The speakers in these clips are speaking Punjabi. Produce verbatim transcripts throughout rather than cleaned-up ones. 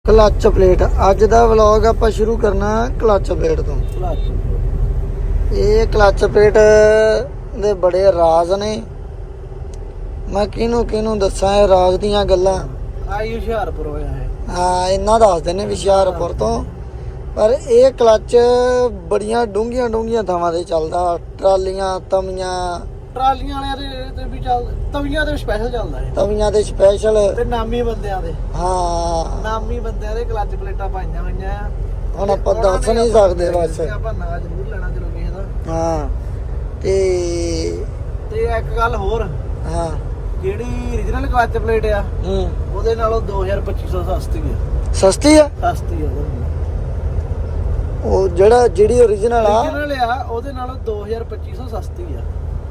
क्लच प्लेट अज दा व्लॉग आपां शुरू करना क्लच प्लेट तो। ये क्लच प्लेट दे बड़े राज ने, मैं किनू किनू दसा है राज दियां गल्लां। आई हुशियारपुर होया है। हाँ इन्ना दस देने हुशियारपुर तो, पर ये क्लच बड़ियां डूंघियां डूंघियां थावां ते चलदा। ट्रालियां तवियां ट्रालियां वाले ते भी चल, तवियां ते स्पेशल चलदा है। तवियां ते स्पेशल ते नामी बंदियां दे, हाँ नामी बंदियां दे क्लच प्लेटां पाईयां होईयां आ। ਹੁਣ ਆਪਾਂ ਦੱਸ ਨਹੀਂ ਸਕਦੇ ਬਸ। ਆਪਾਂ ਨਾਂ ਜ਼ਰੂਰ ਲੈਣਾ ਚਲੋ ਕਿਸੇ ਦਾ। ਹਾਂ ਤੇ ਤੇ ਇੱਕ ਗੱਲ ਹੋਰ, ਹਾਂ ਜਿਹੜੀ origignal ਕਲਚ ਪਲੇਟ ਆ ਹੂੰ ਉਹਦੇ ਨਾਲੋਂ ਦੋ ਹਜ਼ਾਰ ਪੱਚੀ ਸੌ ਸਸਤੀ ਆ। ਸਸਤੀ ਆ ਸਸਤੀ ਆ ਉਹਦੇ ਨਾਲੋਂ। ਉਹ ਜਿਹੜਾ ਜਿਹੜੀ origignal ਆ origignal ਆ ਉਹਦੇ ਨਾਲੋਂ ਦੋ ਹਜ਼ਾਰ ਪੱਚੀ ਸੌ ਸਸਤੀ ਆ।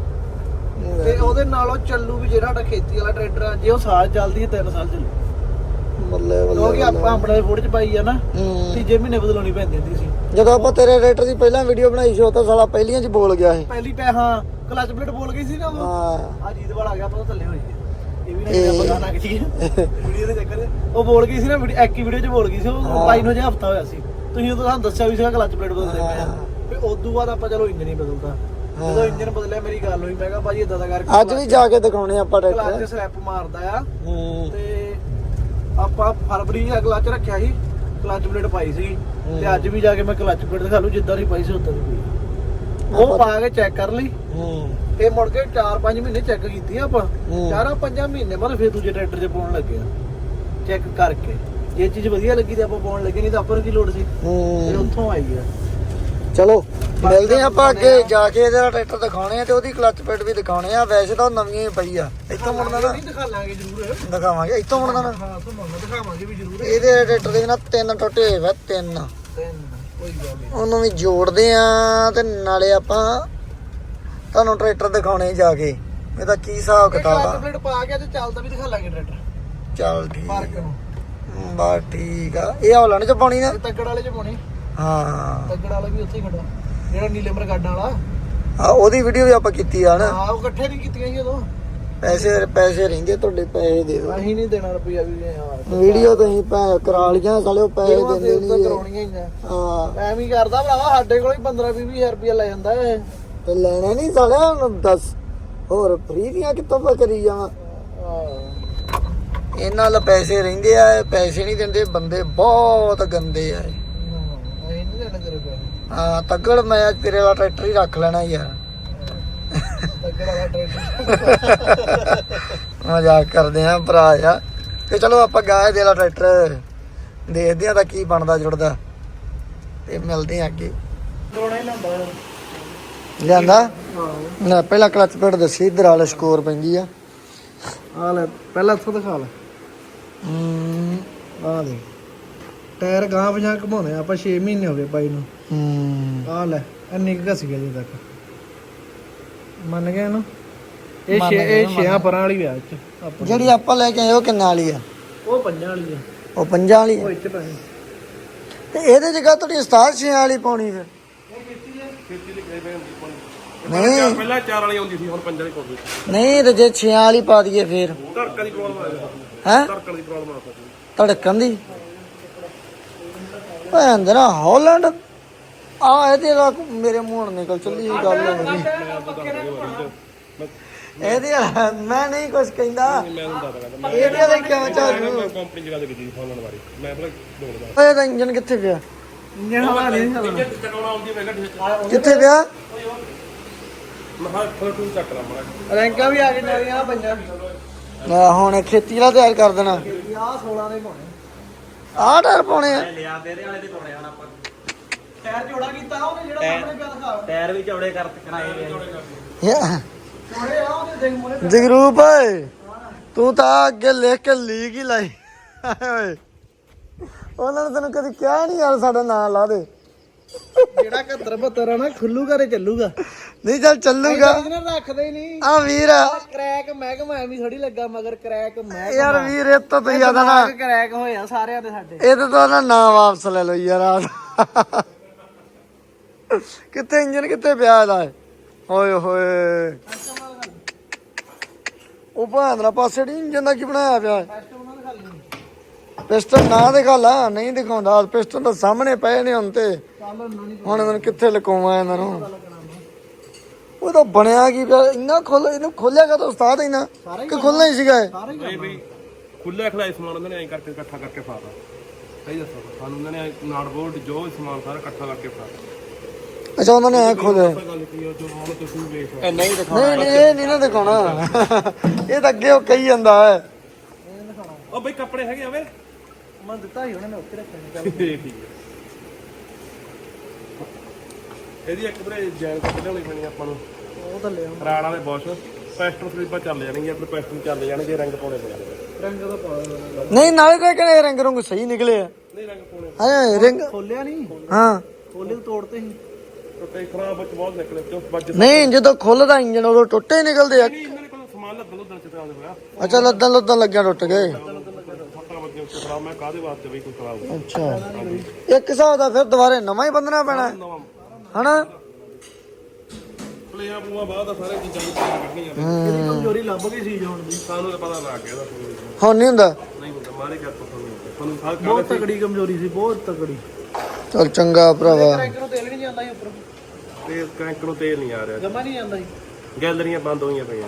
ਤੇ ਉਹਦੇ ਨਾਲੋਂ ਚੱਲੂ ਵੀ ਜਿਹੜਾ ਸਾਡਾ ਖੇਤੀ ਵਾਲਾ ਟਰੈਕਟਰ ਆ, ਜੇ ਉਹ ਸਾਲ ਚੱਲਦੀ ਹੈ ਤਿੰਨ ਸਾਲ ਚੱਲੂ। ਬੱਲੇ ਬੱਲੇ ਕਿਉਂਕਿ ਆਪਾਂ ਆਪਣੇ ਫੋੜ ਚ ਪਾਈ ਆ ਨਾ, ਹੂੰ ਤੀਜੇ ਮਹੀਨੇ ਬਦਲਾਉਣੀ ਪੈਂਦੀ ਹੁੰਦੀ ਸੀ। ਜਦੋਂ ਆਪਾਂ ਤੇਰੇ ਟਰੈਕਟਰ ਦੀ ਪਹਿਲਾਂ ਵੀਡੀਓ ਬਣਾਈ ਸੀ ਉਹ ਤਾਂ ਸਾਲਾ ਪਹਿਲੀਆਂ ਚ ਬੋਲ ਗਿਆ ਸੀ। ਪਹਿਲੀ ਪੈ ਹਾਂ ਕਲਚ ਪਲੇਟ ਬੋਲ ਗਈ ਸੀ ਨਾ ਉਹ। ਹਾਂ ਆ ਜੀਤ ਵਾਲਾ ਆ ਗਿਆ, ਆਪਾਂ ਥੱਲੇ ਹੋਈ ਇਹ ਵੀ ਨਾ ਆਪਾਂ ਗਾਣਾ ਕੀ ਵੀਡੀਓ ਦੇ ਚੱਕਰ ਉਹ ਬੋਲ ਗਈ ਸੀ ਨਾ, ਇੱਕ ਹੀ ਵੀਡੀਓ ਚ ਬੋਲ ਗਈ ਸੀ। ਉਹ ਪਾਈ ਨੂੰ ਜੇ ਹਫਤਾ ਹੋਇਆ ਸੀ, ਤੁਸੀਂ ਉਦੋਂ ਸਾਨੂੰ ਦੱਸਿਆ ਵੀ ਸੀਗਾ ਕਲਚ ਪਲੇਟ ਬਦਲਦੇ ਪਏ ਆ। ਫਿਰ ਉਦੋਂ ਬਾਅਦ ਆਪਾਂ ਚਲੋ ਇੰਜਨ ਹੀ ਬਦਲਦਾ। ਜਦੋਂ ਇੰਜਨ ਬਦਲਿਆ ਮੇਰੀ ਗੱਲ ਹੋਈ, ਮੈਂ ਕਿਹਾ ਭਾਜੀ ਇਦਾਂ ਦਾ ਕਰਕੇ ਅੱਜ ਵੀ ਜਾ ਕੇ ਦਿਖਾਉਣੇ ਆਪਾਂ ਕਲਚ ਟਰੈਕਟਰ। ਸਲੈਪ ਮਾਰਦਾ ਆ। ਹੂੰ ਤੇ ਆਪਾਂ ਫਰਵਰੀ ਦਾ ਕਲਚ ਰੱਖਿਆ ਸੀ, ਕਲਚ ਪਲੇਟ ਪਾਈ ਸੀ। ਤੇ ਅੱਜ ਵੀ ਜਾ ਕੇ ਮੈਂ ਕਲਚ ਪਲੇਟ ਦਿਖਾ ਲੂ, ਜਿੱਦਾਂ ਦੀ ਪਾਈ ਸੀ ਉਦਾਂ ਦੀ ਪਈ। ਉਹ ਪਾ ਕੇ ਚੈੱਕ ਕਰ ਲਈ। ਹੂੰ ਇਹ ਮੁੜ ਕੇ ਚਾਰ ਪੰਜ ਮਹੀਨੇ ਚੈੱਕ ਕੀਤੀ ਆਪਾਂ। ਹੂੰ। ਚਾਰਾਂ ਪੰਜਾਂ ਮਹੀਨੇ ਬਾਅਦ ਫਿਰ ਦੂਜੇ ਟਰੈਕਟਰ 'ਚ ਪਾਉਣ ਲੱਗੇ ਆ ਚੈੱਕ ਕਰਕੇ। ਜੇ ਚੀਜ਼ ਵਧੀਆ ਲੱਗੀ ਤੇ ਆਪਾਂ ਪਾਉਣ ਲੱਗੇ, ਨਹੀਂ ਤਾਂ ਆਪਾਂ ਨੂੰ ਕੀ ਲੋੜ ਸੀ। ਫਿਰ ਹੂੰ ਉੱਥੋਂ ਆਈ ਆ। ਚਲੋ ਮਿਲਦੇ ਆ ਆਪਾਂ ਅੱਗੇ ਜਾ ਕੇ ਇਹਦਾ ਟਰੈਕਟਰ ਦਿਖਾਉਣੇ ਆ ਤੇ ਉਹਦੀ ਕਲਚ ਪਲੇਟ ਵੀ ਦਿਖਾਉਣੇ ਆ। ਵੈਸੇ ਤਾਂ ਉਹ ਨਵੀਂ ਹੀ ਪਈ ਆ। ਇੱਥੋਂ ਮੁੜਨਾ ਨਾ ਨਹੀਂ ਦਿਖਾ ਲਾਂਗੇ ਜ਼ਰੂਰ, ਦਿਖਾਵਾਂਗੇ। ਇੱਥੋਂ ਮੁੜਨਾ ਨਾ ਹਾਂ ਉੱਥੋਂ ਮੁੜਨਾ ਦਿਖਾਵਾਂਗੇ ਵੀ ਜ਼ਰੂਰ। ਇਹਦੇ ਟਰੈਕਟਰ ਦੇ ਨਾ ਤਿੰਨ ਟੁੱਟੇ ਹੋਏ ਵਾ, ਤਿੰਨ। ਕੋਈ ਗੱਲ ਨਹੀਂ, ਉਹਨੂੰ ਵੀ ਜੋੜਦੇ ਆ ਤੇ ਨਾਲੇ ਆਪਾਂ ਤੁਹਾਨੂੰ ਟਰੈਕਟਰ ਦਿਖਾਉਣੇ ਜਾ ਕੇ ਇਹਦਾ ਕੀ ਹਿਸਾਬ ਕਿਤਾਬ ਕਲਚ ਆ। ਪਲੇਟ ਪਾ ਕੇ ਤੇ ਚੱਲਦਾ ਵੀ ਦਿਖਾ ਲਾਂਗੇ ਟਰੈਕਟਰ ਚੱਲ ਠੀਕ ਪਾਰਕ ਨੂੰ। ਬਸ ਠੀਕ ਆ। ਇਹ ਹੌਲੈਂਡ ਚ ਪਾਉਣੀ ਨਾ। ਇਹ ਤੱਗੜ ਵਾਲੇ 'ਚ ਪਾਉਣੀ। ਹਾਂ ਤੱਗੜ ਵਾਲਾ ਵੀ ਉੱਥੇ ਹੀ ਖੜਾ, ਜਿਹੜਾ ਨੀਲੇ ਮਰਗਾਡਾਂ ਵਾਲਾ। ਆ ਉਹਦੀ ਵੀਡੀਓ ਵੀ ਆਪਾਂ ਕੀਤੀ ਆ ਨਾ। ਹਾਂ ਉਹ ਇਕੱਠੇ ਨਹੀਂ ਕੀਤੀਆਂ ਸੀ ਉਦੋਂ। ਪੈਸੇ ਪੈਸੇ ਰਹਿੰਦੇ ਤੁਹਾਡੇ, ਪੈਸੇ ਦੇ ਦਿਓ। ਅਸੀਂ ਨਹੀਂ ਦੇਣਾ ਰੁਪਈਆ ਵੀ ਯਾਰ। ਵੀਡੀਓ ਤੁਸੀਂ ਭੈ ਕਰਾ ਲੀਆਂ ਸਾਲੇ, ਉਹ ਪੈਸੇ ਦਿੰਦੇ ਨਹੀਂ। ਕਰਾਉਣੀਆਂ ਹੀ ਆ। ਹਾਂ ਐਵੇਂ ਹੀ ਕਰਦਾ ਭਰਾਵਾ, ਸਾਡੇ ਕੋਲ ਹੀ ਪੰਦਰਾਂ ਵੀਹ ਹਜ਼ਾਰ ਰੁਪਈਆ ਲੈ ਜਾਂਦਾ ਇਹ। ਤੇ ਲੈਣਾ ਨਹੀਂ ਸਾਲਿਆ। ਹੁਣ ਦੱਸ ਹੋਰ ਫ੍ਰੀ ਦੀਆਂ ਕਿੱਥੋਂ ਪਾ ਕਰੀ ਜਾਵਾਂ। ਇਹਨਾਂ ਨਾਲ ਪੈਸੇ ਰਹਿੰਦੇ ਆ, ਇਹ ਪੈਸੇ ਨਹੀਂ ਦਿੰਦੇ। ਬੰਦੇ ਬਹੁਤ ਗੰਦੇ ਆ ਇਹ। ਅਸੀਂ ਨਹੀਂ ਦੇਣਾ ਤੇਰੇ ਪੈਸੇ। ਹਾਂ ਤੱਗੜ ਮੈਂ ਅੱਜ ਤੇਰੇ ਵਾਲਾ ਟਰੈਕਟਰ ਹੀ ਰੱਖ ਲੈਣਾ ਯਾਰ। ਤੱਗੜ ਵਾਲਾ ਟਰੈਕਟਰ। ਮਜ਼ਾਕ ਕਰਦੇ ਆ ਭਰਾ ਆ। ਤੇ ਚਲੋ ਆਪਾਂ ਗਾਏ ਦੇ ਵਾਲਾ ਟਰੈਕਟਰ ਦੇਖਦੇ ਆ ਤਾਂ ਕੀ ਬਣਦਾ ਜੁੜਦਾ, ਤੇ ਮਿਲਦੇ ਆ ਅੱਗੇ। ਦੋਣਾ ਹੀ ਲੰਦਾ ਲਿਆਂਦਾ ਹਾਂ। ਨਾ ਪਹਿਲਾਂ ਕਲਚ ਪਲੇਟ ਦੱਸੀ, ਇਧਰ ਵਾਲਾ ਸਕੋਰ ਪੈਂਦੀ ਆ। ਆ ਲੈ ਪਹਿਲਾਂ ਇੱਥੋਂ ਦਿਖਾ ਲੈ। ਹੂੰ ਆ ਦੇ ਟਾਇਰ ਗਾਂ ਪਛਾਂ ਘਮਾਉਂਦੇ ਆ ਆਪਾਂ। ਛੇ ਮਹੀਨੇ ਹੋ ਗਏ ਪਾਈ ਨੂੰ। ਹੂੰ ਆ ਲੈ ਇੰਨੀ ਕੁ ਘਸ ਗਿਆ ਜੇ ਤੱਕ। ਮੰਨ ਗਏ ਨਾ ਇਹ ਮੰਨ ਛੇ ਗਏ, ਇਹ ਮੰਨ ਛੇਆਂ ਗਏ। ਪਰਾਂ ਵਾਲੀ ਆ ਚ ਆਪਾਂ। ਜਿਹੜੀ ਆਪਾਂ ਲੈ ਕੇ ਆਏ ਉਹ ਕਿੰਨਾ ਵਾਲੀ ਆ? ਉਹ ਪੰਜਾਂ ਵਾਲੀ ਆ। ਉਹ ਪੰਜਾਂ ਵਾਲੀ ਉਹ ਆ। ਇੱਥੇ ਪੈਸੇ ਤੇ ਇਹਦੇ ਜਗ੍ਹਾ ਤੁਹਾਡੀ ਸਤਾਰ ਛੇ ਵਾਲੀ ਪਾਉਣੀ ਫਿਰ? ਨਹੀਂ ਪਹਿਲਾਂ ਚਾਰ ਵਾਲੀ ਆਉਂਦੀ ਸੀ, ਹੁਣ ਪੰਜਾਂ ਦੀ ਪਾਉਂਦੇ। ਨਹੀਂ ਤੇ ਜੇ ਛੇ ਵਾਲੀ ਪਾ ਦਈਏ ਫਿਰ ਧੜਕਣ ਦੀ ਪ੍ਰੋਬਲਮ ਆ ਜਾਂਦੀ ਹੈ? ਧੜਕਣ ਦੀ ਪ੍ਰੋਬਲਮ ਆ ਸਕਦੀ। ਧੜਕਣ ਦੀ ਭੈਣ ਦੇ ਨਾ ਹੌਲੈਂਡ ਆ ਇਹਦੇ ਨਾਲ ਮੇਰੇ ਮੂੰਹ ਨਾਲ ਨਿਕਲ ਚੱਲੀ ਇਹ ਗੱਲ ਹੋ ਗਈ ਇਹਦੇ ਨਾਲ। ਮੈਂ ਨਹੀਂ ਕੁਝ ਕਹਿੰਦਾ ਮੈਂ ਤੁਹਾਨੂੰ ਦੱਸਦਾ ਇਹਦੇ ਨਾਲ ਕਿਉਂ ਚਾਲੂ? ਮੈਂ ਕੰਪਨੀ ਦੀ ਗੱਲ ਕੀਤੀ ਸੀ ਫੋਨ ਵਾਲੀ। ਮੈਂ ਪਹਿਲਾਂ ਬੋਲਦਾ ਓਏ ਇਹਦਾ ਇੰਜਨ ਕਿੱਥੇ ਪਿਆ? ਇੰਜਣ ਹਵਾ ਨਹੀਂ ਚੱਲਣਾ। ਚਕਾਉਣਾ ਆਉਂਦੀ ਮੈਂ ਕਿਹਾ ਕਿੱਥੇ ਪਿਆ? ਮੈਂ ਹਾਂ ਥੋੜਾ ਟੂ ਚੱਕ ਲਾ ਮਾੜਾ। ਰੈਂਕਾਂ ਵੀ ਆ ਕੇ ਨਾਲੀਆਂ ਆ ਪੰਜਾਂ। ਆ ਹੁਣ ਖੇਤੀ ਵਾਲਾ ਤਿਆਰ ਕਰ ਦੇਣਾ। ਆਹ ਸੋਲਾਂ ਦੇ ਪਾਉਣੇ। ਆਹ ਟਾਇਰ ਪਾਉਣੇ ਆ। ਲਿਆ ਤੇਰੇ ਵਾਲੇ ਦੇ ਪਾਉਣੇ ਹਨ ਆਪਾਂ। ਟਾਇਰ ਜੋੜਾ ਕੀਤਾ ਉਹਨੇ, ਜਿਹੜਾ ਸਾਹਮਣੇ ਪਿਆ ਦਿਖਾ। ਟਾਇਰ ਵੀ ਚੌੜੇ ਕਰ ਕਰਾਏ ਗਏ। ਯਾ ਜੋੜੇ ਆ ਉਹਦੇ ਦੇਖ ਮੋਰੇ। ਜਗਰੂਪ ਓਏ ਤੂੰ ਤਾਂ ਅੱਗੇ ਲਿਖ ਕੇ ਲੀਕ ਹੀ ਲਾਈ ਓਏ। ਉਹਨਾਂ ਨੇ ਤੈਨੂੰ ਕਦੀ ਕਿਹਾ ਨਹੀਂ ਯਾਰ ਸਾਡਾ ਨਾਂ ਲਾ ਦੇ। ਜਿਹੜਾ ਇਕਹੱਤਰ ਬਹੱਤਰ ਆ ਨਾ ਖੁੱਲੂਗਾ ਤੇ ਚੱਲੂਗਾ। ਨਹੀਂ ਚੱਲ ਚੱਲੂਗਾ। ਇਹਨਾਂ ਰੱਖਦੇ ਹੀ ਨਹੀਂ। ਆ ਵੀਰ ਕਰੈਕ ਮਹਿਕਮਾ ਐਵੇਂ ਥੋੜੀ ਲੱਗਾ ਮਗਰ ਕਰੈਕ ਮਹਿਕਮਾ। ਯਾਰ ਵੀਰ ਇਹ ਤੋਂ ਤੁਸੀਂ ਆਦਾ ਨਾ ਕਰੈਕ ਹੋਇਆ ਸਾਰਿਆਂ ਦੇ ਸਾਡੇ। ਇਹ ਤਾਂ ਨਾ ਨਾਂ ਵਾਪਸ ਲੈ ਲਓ ਯਾਰ। ਆ ਕਿੱਥੇ ਇੰਜਨ ਕਿੱਥੇ ਪਿਆ ਇਹਦਾ? ਓਏ ਹੋਏ ਉਹ ਭਾਂਦਰਾ ਪਾਸੇ ਨੀ ਇੰਜਨ ਦਾ ਕੀ ਬਣਾਇਆ ਪਿਆ? ਟੈਸਟ ਉਹਨਾਂ ਦੇ ਖਾਲੀ ਪਿਸਟਨ ਨਾ ਦਿਖਾ ਲਾ, ਨਹੀਂ ਦਿਖਾਉਂਦਾ ਪਿਸਟਨ ਤਾਂ ਸਾਹਮਣੇ ਪਏ ਨੇ ਹੁਣ ਤੇ ਚੱਲ ਨਹੀਂ ਹੁਣ ਇਹਨਾਂ ਨੂੰ ਕਿੱਥੇ ਲੁਕਾਵਾਂ ਇਹਨਾਂ ਨੂੰ। ਉਹ ਤਾਂ ਬਣਿਆ ਕੀ ਪਿਆ ਇੰਨਾ ਖੋਲ ਇਹਨੂੰ ਖੋਲਿਆ ਕਾ ਤਾਂ ਉਸਤਾਦ ਇਹਨਾਂ ਕਿ ਖੁੱਲਣਾ ਹੀ ਸੀਗਾ ਇਹ? ਸਾਰੇ ਨਹੀਂ ਬਈ ਖੁੱਲੇ ਖਲਾਈ ਸਮਾਨ ਉਹਨਾਂ ਨੇ ਐਂ ਕਰਕੇ ਇਕੱਠਾ ਕਰਕੇ ਫਾਤਾ ਸਹੀ ਦੱਸੋ ਸਾਨੂੰ ਉਹਨਾਂ ਨੇ ਨਾਟ ਬੋਲਟ ਜੋ ਵੀ ਸਮਾਨ ਸਾਰਾ ਇਕੱਠਾ ਕਰਕੇ ਫਾਤਾ। ਅੱਛਾ ਉਹਨਾਂ ਨੇ ਐ ਖੋਲਿਆ। ਗੱਲ ਕੀ ਆ ਜੋ ਹੁਣ ਤੁਸੀਂ ਵੇਖ ਇਹ ਨਹੀਂ ਨਹੀਂ ਨਹੀਂ ਇਹ ਨਹੀਂ ਨਾ ਦਿਖਾਉਣਾ ਇਹ ਤਾਂ ਅੱਗੇ ਉਹ ਕਹੀ ਜਾਂਦਾ ਹੈ। ਉਹ ਬਈ ਕੱਪੜੇ ਹੈਗੇ ਆਵੇ ਮੈਂ ਦਿੱਤਾ ਸੀ ਉਹਨਾਂ ਨੇ ਉੱਤੇ ਰੱਖਣੇ ਚੱਲ ਠੀਕ ਹੈ। ਇਹਦੀ ਇੱਕ ਬਰੇ ਜੈਨ ਕੱਟ ਲਿਆਉਣੀ ਪੈਣੀ ਆਪਾਂ ਨੂੰ। ਉਹ ਥੱਲੇ ਆ ਰਾੜ ਵਾਲੇ ਬੋਸ਼ ਪੈਸਟਲ ਸਲੀਪਾਂ ਚੱਲ ਜਾਣਗੀਆਂ ਆਪਣੇ ਪੈਸਟਲ ਚੱਲ ਜਾਣਗੇ ਰੰਗ ਪਾਉਣੇ ਪੈਣਗੇ। ਰੰਗ ਦਾ ਪਾ ਦੇਣਾ। ਨਹੀਂ ਨਾਲੇ ਤਾਂ ਕਿਹੜੇ ਰੰਗ ਰੰਗ ਸਹੀ ਨਿਕਲੇ ਆ। ਨਹੀਂ ਰੰਗ ਪਾਉਣੇ ਹਾਂ ਰਿੰਗ ਖੋਲਿਆ ਨਹੀਂ ਹਾਂ ਖੋਲੇ ਤੋਂ ਤੋੜਤੇ ਸੀ ਟੁੱਟੇ ਖਰਾਬ ਵਿੱਚ ਬਹੁਤ ਨਿਕਲੇ ਤੇ ਵੱਜ ਨਹੀਂ ਜਦੋਂ ਖੁੱਲਦਾ ਇੰਜਨ ਉਦੋਂ ਟੁੱਟੇ ਹੀ ਨਿਕਲਦੇ ਆ। ਨਹੀਂ ਇਹਨਾਂ ਨੇ ਕੋਈ ਸਮਾਨ ਲੱਦਣ ਲੁੱਦਣ ਚ ਤਾਂ ਹੋਇਆ ਅੱਛਾ ਲੱਦਣ ਲੱਦਣ ਲੱਗਿਆ ਟੁੱਟ ਗਏ। ਫੱਟਾ ਵੱਜੇ ਉੱਤੇ ਖਰਾਬ ਮੈਂ ਕਾਹਦੇ ਵਾਸਤੇ ਬਈ ਕੋਈ ਖਰਾਬ ਹੋਇਆ ਅੱਛਾ ਇੱਕ ਹਿਸਾਬ ਦਾ ਫਿਰ ਦੁਬਾਰੇ ਨਵਾਂ ਹੀ ਬੰਨਣਾ ਪੈਣਾ ਹੈ, ਨਵਾਂ ਹਨਾ। ਪਲੇਆਂ ਪੂਆ ਬਾਅਦ ਆ ਸਾਰੇ ਚੀਜ਼ਾਂ ਨੂੰ ਪਤਾ ਕੱਢਣੀਆਂ ਨੇ। ਇਹਦੀ ਕਮਜ਼ੋਰੀ ਲੱਭ ਗਈ ਸੀ ਹੁਣ ਦੀ ਸਾਨੂੰ ਤਾਂ ਪਤਾ ਲੱਗ ਗਿਆ ਇਹਦਾ ਹੁਣ ਨਹੀਂ ਹੁੰਦਾ। ਨਹੀਂ ਹੁੰਦਾ ਮਾਰੇ ਕਰ ਤੁਹਾਨੂੰ ਤੁਹਾਨੂੰ ਸਾਰ ਬਹੁਤ ਤਕੜੀ ਕਮਜ਼ੋਰੀ ਸੀ ਬਹੁਤ ਤਕੜੀ ਚਲ ਚੰਗਾ ਭਰਾਵਾ। ਟਰੈਕ ਨੂੰ ਤੇਲ ਨਹੀਂ ਜਾਂਦਾ ਸੀ ਉੱਪਰ ਤੇ ਕ੍ਰੈਂਕ ਨੂੰ ਤੇਲ ਨਹੀਂ ਆ ਰਿਹਾ ਜਮਾ ਨਹੀਂ ਜਾਂਦਾ ਸੀ ਗੈਲਰੀਆਂ ਬੰਦ ਹੋਈਆਂ ਪਈਆਂ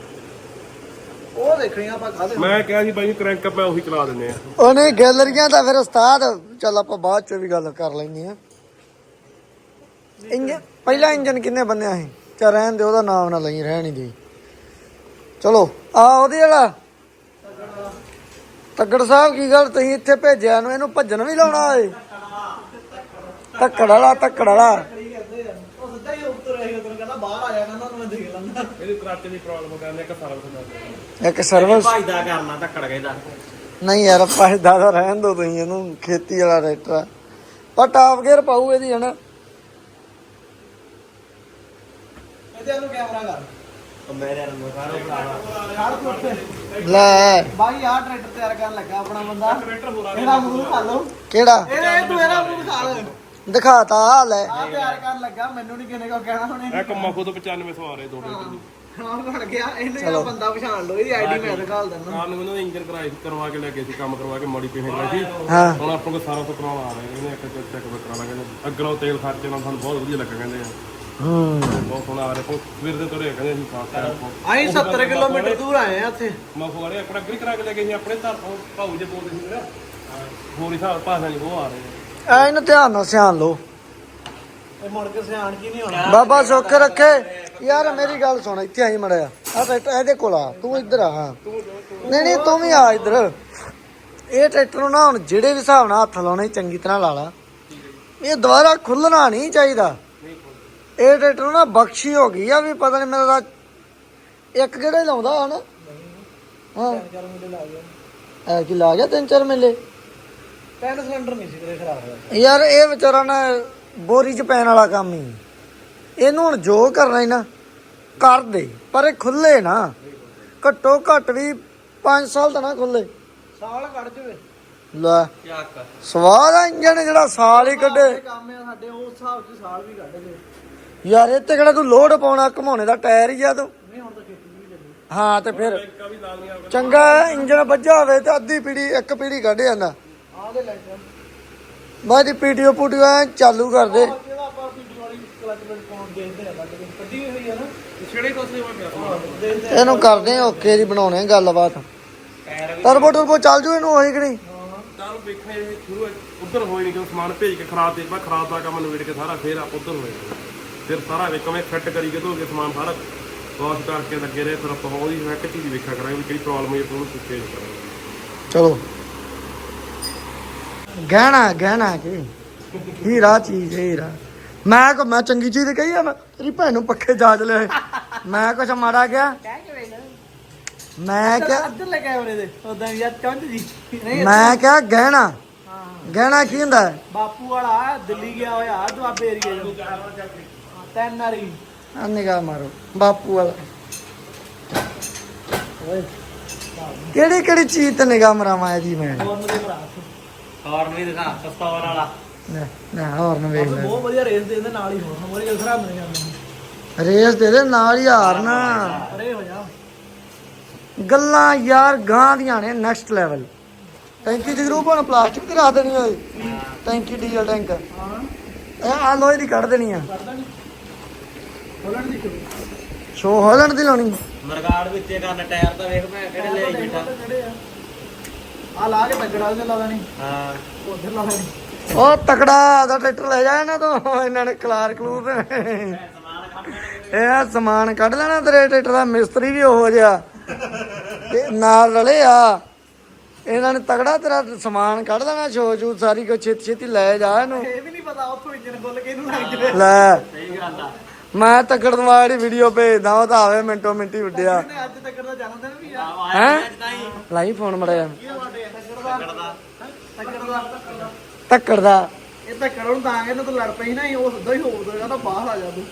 ਉਹ ਦੇਖਣੀਆਂ ਆਪਾਂ ਖਾਦੇ ਮੈਂ ਕਿਹਾ ਸੀ ਬਾਈ ਕ੍ਰੈਂਕ ਆਪਾਂ ਉਹੀ ਚਲਾ ਦਿੰਦੇ ਆ ਉਹਨੇ ਗੈਲਰੀਆਂ ਦਾ ਫਿਰ ਉਸਤਾਦ ਚੱਲ ਆਪਾਂ ਬਾਅਦ ਚ ਵੀ ਗੱਲ ਕਰ ਲੈਂਦੇ ਆ। ਇੰਜਨ ਪਹਿਲਾ ਇੰਜਨ ਕਿੰਨੇ ਬੰਨਿਆ ਸੀ? ਚਾ ਰਹਿਣ ਦੇ ਉਹਦਾ ਨਾਮ ਨਾ ਲਈ ਰਹਿਣ ਹੀ ਦੇ। ਚਲੋ ਆ ਉਹਦੇ ਵਾਲਾ ਤੱਕੜ ਸਾਹਿਬ ਕੀ ਗੱਲ ਤੁਸੀਂ ਇੱਥੇ ਭੇਜਿਆ ਨੂੰ ਇਹਨੂੰ ਭੱਜਣ ਵੀ ਲਾਉਣਾ ਏ? ਤੱਕੜ ਵਾਲਾ ਤੱਕੜ ਵਾਲਾ ਉਹ ਸਿੱਧਾ ਹੀ ਉੱਤਰ ਆਇਆ ਤੈਨੂੰ ਕਹਿੰਦਾ ਬਾਹਰ ਆ ਜਾਣਾ ਉਹਨਾਂ ਨੂੰ ਮੈਂ ਦੇਖ ਲੈਂਦਾ ਇਹਦੀ ਕਰਾਚੇ ਦੀ ਪ੍ਰੋਬਲਮ ਕਰਨੇ ਇੱਕ ਸਾਰਾ ਕੁਝ ਕਰਦੇ ਇੱਕ ਸਰਵਿਸ ਭਾਈਦਾ ਕਰਨਾ ਧੱਕੜ ਗਏ ਦਾ। ਨਹੀਂ ਯਾਰ ਫਾਇਦਾ ਤਾਂ ਰਹਿਣ ਦੋ ਤੁਸੀਂ ਇਹਨੂੰ ਖੇਤੀ ਵਾਲਾ ਟਰੈਕਟਰ ਆ। ਪਰ ਟਾਪ ਗੇਅਰ ਪਾਊ ਇਹਦੀ ਹਨਾ। ਇਹਦੇ ਨੂੰ ਕੈਮਰਾ ਕਰ ਉਹ ਮੇਰੇ ਨੂੰ ਸਾਰਾ ਭਰਾਵਾ ਖੜ ਉੱਤੇ ਲੈ ਬਾਈ ਆਹ ਟਰੈਕਟਰ ਤਿਆਰ ਕਰਨ ਲੱਗਾ ਆਪਣਾ ਬੰਦਾ ਟਰੈਕਟਰ ਹੋਰ ਆ ਇਹਦਾ ਮੂੰਹ ਖਾ ਲਓ ਕਿਹੜਾ ਇਹ ਤੂੰ ਇਹਦਾ ਮੂੰਹ ਖਾ ਲੈ ਦਿਖਾਤਾ ਲੈ। ਆਹ ਤਿਆਰ ਕਰਨ ਲੱਗਾ ਮੈਨੂੰ ਨਹੀਂ ਕਿਨੇ ਕੋ ਕਹਿਣਾ ਹੁਣ ਇਹ ਕੰਮਾ ਖੁਦ ਪਚਾਨਵੇਂ ਸੌ ਆ ਰਹੇ ਦੋ ਟਰੈਕਟਰ ਦੀ ਹਾਂ ਬਣ ਗਿਆ ਇਹਨੂੰ ਜਿਹੜਾ ਬੰਦਾ ਪਛਾਣ ਲਓ ਇਹਦੀ ਆਈਡੀ ਮੈਂ ਦਿਖਾਲ ਦਿੰਦਾ ਕਾਰ ਨੂੰ ਇਹਨਾਂ ਇੰਜਨ ਕਰਾਈ ਕਰਵਾ ਕੇ ਲੈ ਗਏ ਸੀ ਕੰਮ ਕਰਵਾ ਕੇ ਮੋਡੀਫਾਈ ਕਰਾਈ ਸੀ ਹਾਂ ਹੁਣ ਆਪਾਂ ਕੋਲ ਸਾਰਾ ਤੋਂ ਕਰਾਉਣ ਆ ਰਹੇ ਇਹਨੇ ਇੱਕ ਚੈੱਕ ਚੈੱਕ ਕਰਾ ਲਾਂਗੇ ਅੱਗਲੋਂ ਤੇਲ ਖਰਚੇ ਨਾਲ ਸਾਨੂੰ ਬਹੁਤ ਵਧੀਆ ਲੱਗਾ ਕਹਿੰਦੇ ਆ ਹੂੰ ਬਹੁਤ ਸੋਹਣਾ ਆ ਰਿਹਾ ਸਵੇਰ ਦੇ ਤੁਰੇ ਕਹਿੰਦੇ ਅਸੀਂ ਫਾਸਟ ਟਾਈਮ ਆਈ ਸੱਤਰ ਕਿਲੋਮੀਟਰ ਦੂਰ ਆਏ ਆ ਇੱਥੇ ਮੈਂ ਫੋੜੇ ਆਪਣਾ ਅੱਗੇ ਕਰਾ ਕੇ ਲੈ ਗਏ ਸੀ ਆਪਣੇ ਘਰ ਤੋਂ ਭਾਊ ਜੇ ਬੋਲਦੇ ਸੀ ਮੇਰਾ ਹੋਰ ਹੀ ਹਿਸਾਬ ਭਾਸ਼ਾ ਨਹੀਂ ਉਹ ਆ ਰਹੇ ਐ ਇਹਨੂੰ ਧਿਆਨ ਨਾਲ ਸਿਆਣ ਲਓ। ਇਹ ਮੁੜ ਕੇ ਸਿਆਣ ਕੀ ਨਹੀਂ ਹੋਣਾ ਬਾਬਾ ਸੁੱਖ ਰੱਖੇ। ਯਾਰ ਮੇਰੀ ਗੱਲ ਸੁਣ ਇੱਥੇ ਆਈ ਮੜਿਆ ਆ ਟਰੈਕਟਰ ਇਹਦੇ ਕੋਲ ਆ ਤੂੰ ਇੱਧਰ ਆ। ਹਾਂ ਨਹੀਂ ਨਹੀਂ ਤੂੰ ਵੀ ਆ ਇੱਧਰ। ਇਹ ਟਰੈਕਟਰ ਨੂੰ ਨਾ ਹੁਣ ਜਿਹੜੇ ਵੀ ਹਿਸਾਬ ਨਾਲ ਹੱਥ ਲਾਉਣੇ ਚੰਗੀ ਤਰ੍ਹਾਂ ਲਾ ਲਾ। ਇਹ ਦੁਬਾਰਾ ਖੁੱਲਣਾ ਨਹੀਂ ਚਾਹੀਦਾ। ਇਹ ਟਰੈਕਟਰ ਨੂੰ ਨਾ ਬਖਸ਼ੀ ਹੋ ਗਈ ਆ ਵੀ ਪਤਾ ਨਹੀਂ ਮੇਰਾ ਇੱਕ ਕਿਹੜਾ ਹੀ ਲਾਉਂਦਾ ਹਨਾ। ਹਾਂ ਐ ਕੀ ਲਾ ਗਿਆ ਤਿੰਨ ਚਾਰ ਮੇਲੇ। ਪੈਨ ਸਿਲੰਡਰ ਨਹੀਂ ਸੀ ਕਦੇ ਖਰਾਬ ਹੋਇਆ ਯਾਰ ਇਹ ਵਿਚਾਰਾ ਨਾ ਬੋਰੀ ਚ ਪੈਣ ਵਾਲਾ ਕੰਮ ਹੀ। ਇਹਨੂੰ ਹੁਣ ਜੋ ਕਰਨਾ ਹੀ ਨਾ ਕਰ ਦੇ ਪਰ ਇਹ ਖੁੱਲੇ ਨਾ ਘੱਟੋ ਘੱਟ ਵੀ ਪੰਜ ਸਾਲ ਤਾਂ ਨਾ ਖੁੱਲੇ। ਸਾਲ ਕੱਢ ਜਵੇ ਲੈ ਚੱਕ ਸਵਾਦ ਆ ਇੰਜਣ ਜਿਹੜਾ ਸਾਲ ਹੀ ਕੱਢੇ। ਕੰਮ ਆ ਸਾਡੇ ਉਸ ਹਿਸਾਬ 'ਚ ਸਾਲ ਵੀ ਕੱਢ ਗਏ ਯਾਰ ਇਹ ਤੇ ਕਿਹੜਾ ਤੂੰ ਲੋਡ ਪਾਉਣਾ ਘਮਾਉਣੇ ਦਾ ਟਾਇਰ ਹੀ ਆ ਤੂੰ। ਨਹੀਂ ਹੁਣ ਤਾਂ ਖੇਤੀ ਵੀ ਚੱਲੀ ਹਾਂ ਤੇ ਫਿਰ ਕਾ ਵੀ ਲਾ ਲੀਆਂ ਚੰਗਾ ਇੰਜਣ ਵੱਜਾ ਹੋਵੇ ਤੇ ਅੱਧੀ ਪੀੜੀ ਇੱਕ ਪੀੜੀ ਕੱਢ ਜਾਂਦਾ। ਆਹ ਦੇ ਲੈਂਟਰ ਬਾਅਦ ਪੀਟੀਓ ਪੂਟੀਓ ਐਂ ਚਾਲੂ ਕਰ ਦੇ। ਜਿਹੜਾ ਆਪਾਂ ਪੀਟੀ ਵਾਲੀ ਕਲਚ ਵਿੱਚ ਪਾਉਣ ਦੇਖਦੇ ਆ ਕੱਢ ਕੇ ਕੱਢੀ ਹੋਈ ਆ ਨਾ ਛੇੜੇ ਕੋਸੇ ਹੋਏ ਪਿਆ ਹਾਂ, ਦੇਖਦੇ ਆ। ਇਹਨੂੰ ਕਰਦੇ ਆ ਓਕੇ ਦੀ ਬਣਾਉਣੇ ਗੱਲਬਾਤ। ਟਰਬੋ ਟਰਬੋ ਚੱਲ ਜੂ ਇਹਨੂੰ ਉਹੀ ਕਿ ਨਹੀਂ। ਤਾਰੂ ਵੇਖਣੇ ਸ਼ੁਰੂ ਉਧਰ ਹੋਏ ਨਹੀਂ ਕਿ ਸਮਾਨ ਭੇਜ ਕੇ ਖਰਾਬ ਦੇ ਬਾ ਖਰਾਬ ਦਾ ਕੰਮ ਨਵੇੜ ਕੇ ਸਾਰਾ ਫੇਰ ਆਪ ਉਧਰ ਹੋਏ ਫਿਰ ਸਾਰਾ ਵੇ ਕਵੇਂ ਫਿੱਟ ਕਰੀ ਕੇ ਧੋ ਕੇ ਸਮਾਨ ਸਾਰਾ ਵਾਸ਼ ਕਰਕੇ ਲੱਗੇ ਰਹੇ ਫਿਰ ਆਪਾਂ ਉਹਦੀ ਇੱਕ ਚੀਜ਼ ਵੇਖਿਆ ਕਰਾਂਗੇ ਵੀ ਕਿਹੜੀ ਪ੍ਰੋਬਲਮ ਹੈ ਉਹਨੂੰ ਚੇਂਜ ਕਰਾਂਗੇ। ਚਲੋ ਗਹਿਣਾ ਗਹਿਣਾ ਕਿ ਹੀਰਾ ਚੀਜ਼ ਹੈ ਹੀਰਾ। ਮੈਂ ਕੋ ਮੈਂ ਚੰਗੀ ਚੀਜ਼ ਕਹੀ ਆ। ਮੈਂ ਤੇਰੀ ਭੈਣ ਨੂੰ ਪੱਖੇ ਜਾਜ ਲਿਆ ਮੈਂ ਕੁਛ ਮਾੜਾ ਗਿਆ। ਮੈਂ ਕਿਹਾ ਇੱਧਰ ਲੈ ਕੈਮਰੇ ਦੇ ਉਦਾਂ ਯਾਰ ਚੰਦ ਜੀ ਨਹੀਂ ਮੈਂ ਕਿਹਾ ਗਹਿਣਾ ਹਾਂ ਗਹਿਣਾ ਕੀ ਹੁੰਦਾ ਹੈ? ਬਾਪੂ ਵਾਲਾ ਦਿੱਲੀ ਗਿਆ ਹੋਇਆ ਦੁਆਬੇ ਏਰੀਏ ਚ ਤਿੰਨ ਵਾਰੀ ਆ ਨਿਗਾਹ ਮਾਰੋ ਬਾਪੂ ਵਾਲਾ। ਕਿਹੜੀ ਕਿਹੜੀ ਚੀਜ਼ ਤੇ ਨਿਗਾਹ ਮਰਾਵਾਂ ਇਹਦੀ ਮੈਂ। ਫੋਰਨ ਦੇ ਭਰਾ ਹਾਰਨ ਵੀ ਦਿਖਾ ਸਸਤੌਰ ਵਾਲਾ ਨਾ ਨਾ ਹੋਰ ਨਾ ਵੇਖ ਲੈ ਬਹੁਤ ਵਧੀਆ ਰੇਸ ਦੇ ਇਹਦੇ ਨਾਲ ਹੀ ਹੋਣ ਮੋਰੀ ਗੱਲ ਖਰਾਬ ਨਹੀਂ ਜਾਂਦੀ ਰੇਸ ਦੇ ਦੇ ਨਾਲ ਹੀ ਹਾਰਨਾ। ਅਰੇ ਹੋ ਜਾ ਗੱਲਾਂ ਯਾਰ ਗਾਂ ਦੀਆਂ ਨੇ ਨੈਕਸਟ ਲੈਵਲ। ਟੈਂਕੀ ਜਗਰੂ ਹੁਣ ਪਲਾਸਟਿਕ ਤੇ ਰੱਖ ਦੇਣੀ ਓਏ ਟੈਂਕੀ ਡੀਜ਼ਲ ਟੈਂਕ ਇਹ ਆ ਲੋਹੇ ਦੀ ਕੱਢ ਦੇਣੀ ਆ ਹੋਲਣ ਦੀ ਸ਼ੋ ਹੋਲਣ ਦੀ ਲਾਉਣੀ ਮਰਗਾੜ ਵਿੱਚੇ ਕਰਨ ਟਾਇਰ ਤਾਂ ਵੇਖ ਮੈਂ ਕਿਹੜੇ ਲੈ ਆਈ ਬੈਠਾ ਆ ਲਾ ਕੇ ਤੱਕੜਾ ਤੇ ਲਾ ਦੇਣੀ ਹਾਂ ਉਧਰ ਲਾ ਦੇਣੀ ਉਹ ਤਕੜਾ ਦਾ ਟਰੈਕਟਰ ਲੈ ਜਾ ਇਹਨਾਂ ਤੋਂ ਇਹਨਾਂ ਨੇ ਕਲਾਰ ਕਲੂਰ ਇਹ ਸਮਾਨ ਕੱਢ ਲੈਣਾ ਤੇਰੇ ਟਰੈਕਟਰ ਦਾ ਮਿਸਤਰੀ ਵੀ ਉਹੋ ਜਿਹਾ ਤੇ ਨਾਲ ਰਲੇ ਆ ਇਹਨਾਂ ਨੇ ਤਗੜਾ ਤੇਰਾ ਸਮਾਨ ਕੱਢ ਲੈਣਾ ਸ਼ੋ ਸ਼ੂ ਸਾਰੀ ਕੁਛ ਛੇਤੀ ਛੇਤੀ ਲੈ ਜਾ ਇਹਨੂੰ ਇਹ ਵੀ ਨਹੀਂ ਪਤਾ ਉੱਥੋਂ ਇੰਜਨ ਖੁੱਲ ਕੇ ਇਹਨੂੰ ਲੱਗ ਜਵੇ ਲੈ ਸਹੀ ਗੱਲ ਆ ਮੈਂ ਤਕੜਨ ਵਾਲੀ ਵੀਡੀਓ ਭੇਜਦਾ ਉਹ ਤਾਂ ਆਵੇ ਮਿੰਟੋ ਮਿੰਟੀ ਉੱਡਿਆ ਇਹਨੇ ਅੱਜ ਤੱਕ ਦਾ ਜਨਮ ਦਿਨ ਵੀ ਆ ਹੈਂ? ਅੱਜ ਤਾਂ ਹੀ ਲਾਈ ਫੋਨ ਮੜਿਆ ਤੱਕੜ ਦਾ ਤੱਕੜ ਦਾ ਤੱਕੜ ਦਾ ਇਹ ਤੱਕੜ ਨੂੰ ਤਾਂ ਇਹਨੂੰ ਤਾਂ ਲੜ ਪਈ ਨਾ ਉਹ ਸਿੱਧਾ ਹੀ ਹੋ ਜਾਏਗਾ ਤਾਂ ਬਾਹਰ ਆ ਜਾ ਤੂੰ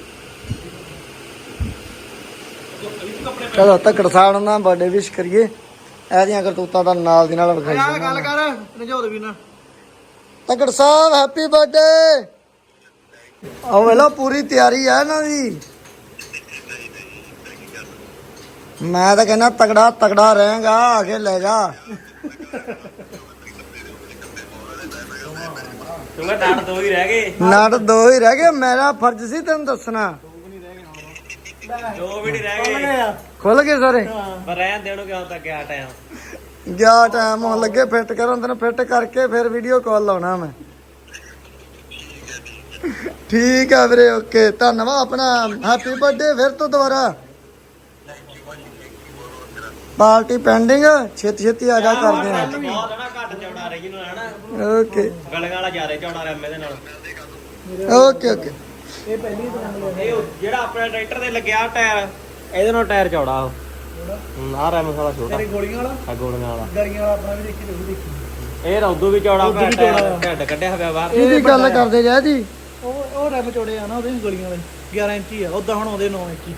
ਚਲੋ ਤੱਕੜ ਸਾਹਿਬ ਨਾਲ ਬਰਥਡੇ ਵਿਸ਼ ਕਰੀਏ ਇਹਦੀਆਂ ਕਰਤੂਤਾਂ ਦਾ ਨਾਲ ਦੀ ਨਾਲ ਵਿਖਾਈ ਯਾਰ ਗੱਲ ਕਰ ਨਜੋਦ ਵੀ ਨਾ ਤਕੜ ਸਾਹਿਬ ਹੈਪੀ ਬਰਥਡੇ ਆਹ ਵੇਲਾ ਪੂਰੀ ਤਿਆਰੀ ਆ ਇਹਨਾਂ ਦੀ ਮੈਂ ਤਾਂ ਕਹਿੰਦਾ ਤਗੜਾ ਤਗੜਾ ਰਹੇਗਾ ਆ ਕੇ ਲੈ ਜਾ ਤੂੰ ਕਹ ਡਾਂਡ ਦੋ ਹੀ ਰਹਿ ਗਏ ਨਾਟ ਦੋ ਹੀ ਰਹਿ ਗਏ ਮੇਰਾ ਫਰਜ਼ ਸੀ ਤੈਨੂੰ ਦੱਸਣਾ ਦੋ ਵੀ ਨਹੀਂ ਰਹਿ ਗਏ ਖੁੱਲ ਗਏ ਸਾਰੇ ਪਰ ਰਹਿਣ ਦੇਣੋ ਕਿਉਂ ਤੱਕ ਗਿਆ ਟਾਈਮ ਗਿਆ ਟਾਈਮ ਹੋਣ ਲੱਗੇ ਫਿੱਟ ਕਰਨ ਤੈਨੂੰ ਫਿੱਟ ਕਰਕੇ ਫਿਰ ਵੀਡੀਓ ਕਾਲ ਲਾਉਣਾ ਮੈਂ ਠੀਕ ਆ ਵੀਰੇ ਓਕੇ ਧੰਨਵਾਦ ਆਪਣਾ ਹੈਪੀ ਬਰਥਡੇ ਫਿਰ ਤੋਂ ਦੁਬਾਰਾ ਪਾਰਟੀ ਪੈਂਡਿੰਗ ਛੇਤੀ ਛੇਤੀ ਆ ਜਾ ਕਰਦੇ ਆ ਬਹੁਤ ਹੈ ਨਾ ਘੱਟ ਚੌੜਾ ਰਹੀ ਨੂੰ ਹੈ ਨਾ ਓਕੇ ਗਲਗਾਂ ਵਾਲਾ ਜ਼ਿਆਦਾ ਚੌੜਾ ਰਿਹਾ ਇਹਦੇ ਨਾਲ ਓਕੇ ਓਕੇ ਇਹ ਪਹਿਲੀ ਤਰ੍ਹਾਂ ਇਹ ਉਹ ਜਿਹੜਾ ਆਪਣੇ ਟਰੈਕਟਰ ਤੇ ਲੱਗਿਆ ਟਾਇਰ ਇਹਦੇ ਨਾਲ ਟਾਇਰ ਚੌੜਾ ਉਹ ਆ ਰੈਮ ਸਾਲਾ ਛੋਟਾ ਤੇਰੀ ਗੋਲੀਆਂ ਵਾਲਾ ਆ ਗੋਲੀਆਂ ਵਾਲਾ ਗਲੀਆਂ ਵਾਲਾ ਆਪਣਾ ਵੀ ਦੇਖੀ ਤੇ ਉਹ ਵੀ ਦੇਖੀ ਇਹ ਰੌਦੂ ਵੀ ਚੌੜਾ ਪਿਆ ਟਾਇਰ ਢੱਡ ਕੱਢਿਆ ਹੋਇਆ ਬਾਹਰ ਇਹਦੀ ਗੱਲ ਕਰਦੇ ਜਾ ਜੀ ਉਹ ਉਹ ਰੈਮ ਚੋੜੇ ਆ ਨਾ ਉਹਦੇ ਗਲੀਆਂ ਵਾਲੇ ਗਿਆਰਾਂ ਇੰਚੀ ਆ ਉਦਾਂ ਹੁਣ ਉਹਦੇ ਨੌਂ ਇੰਚੀ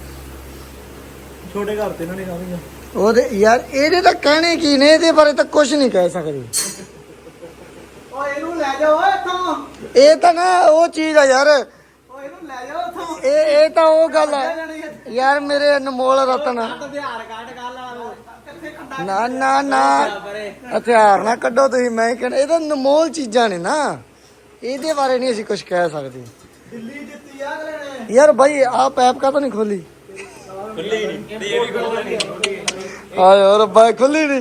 ਛੋਟੇ ਘਰ ਤੇ ਇਹਨਾਂ ਨੇ ਸਾਰੀਆਂ ਉਹਦੇ ਯਾਰ ਇਹਦੇ ਤਾਂ ਕਹਿਣੇ ਕੀ ਨੇ ਇਹਦੇ ਬਾਰੇ ਤਾਂ ਕੁਝ ਨਹੀਂ ਕਹਿ ਸਕਦੇ ਓ ਇਹਨੂੰ ਲੈ ਜਾ ਓਏ ਇੱਥੋਂ ਇਹ ਤਾਂ ਨਾ ਉਹ ਚੀਜ਼ ਆ ਯਾਰ ਓ ਇਹਨੂੰ ਲੈ ਜਾ ਇੱਥੋਂ ਇਹ ਇਹ ਤਾਂ ਉਹ ਗੱਲ ਹੈ ਯਾਰ ਮੇਰੇ ਅਨਮੋਲ ਰਤਨ ਹਥਿਆਰ ਕੱਢ ਗੱਲ ਵਾਲਾ ਕਿੱਥੇ ਖੰਡਾ ਨਾ ਨਾ ਨਾ ਹਥਿਆਰ ਨਾ ਕੱਢੋ ਤੁਸੀਂ ਮੈਂ ਕਹਿੰਦਾ ਇਹ ਤਾਂ ਅਨਮੋਲ ਚੀਜ਼ਾਂ ਨੇ ਨਾ ਇਹਦੇ ਬਾਰੇ ਨਹੀਂ ਅਸੀਂ ਕੁਝ ਕਹਿ ਸਕਦੇ ਦਿੱਲੀ ਜਿੱਤੀ ਆ ਅਗਲੇ ਨੇ ਯਾਰ ਭਾਈ ਆਹ ਪੈਪ ਕਾ ਤਾਂ ਨਹੀਂ ਖੋਲੀ ਖੁੱਲੀ ਨਹੀਂ ਤੇ ਇਹ ਵੀ ਖੁੱਲੀ ਆ ਯਾਰ ਬਾਈ ਖੋਲੀ ਨਹੀਂ